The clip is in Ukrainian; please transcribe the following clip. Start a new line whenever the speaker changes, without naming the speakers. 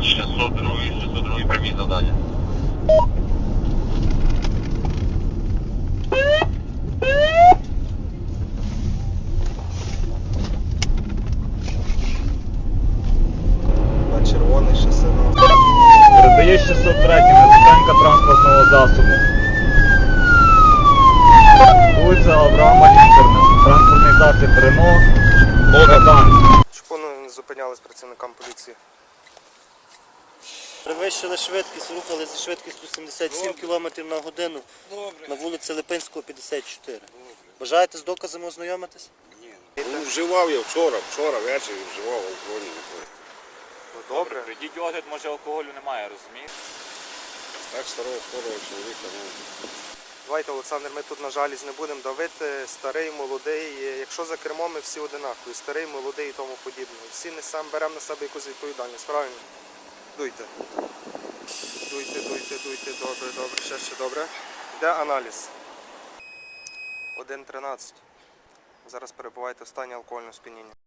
602 прямі завдання.
На червоний шоссе.
Передає 603 зупинка транспортного засобу. Вулиця Авраама Лінкольна. Транспортний засіб Рено. Богдан.
Чому не зупинялись працівникам поліції?
Перевищили швидкість, рухали зі швидкістю 77 км на годину на вулиці Липинського, 54. Бажаєте з доказами ознайомитись?
Ну, вживав я вчора ввечері вживав алкогольні напої.
Ну, добре.
Прийдіть огляд, може алкоголю немає, розумієте?
Так старого хворого чоловіка, ну.
Давайте, Олександр, ми тут, на жалість, не будемо давити. Старий, молодий. Якщо за кермом, ми всі одинакові. Старий, молодий і тому подібне. Всі несемо, беремо на себе якусь відповідальність, правильно? Дуйте. Дуйте. Добре. Ще добре. Йде аналіз. 1.13. Зараз перебуваєте в стані алкогольного сп'яніння.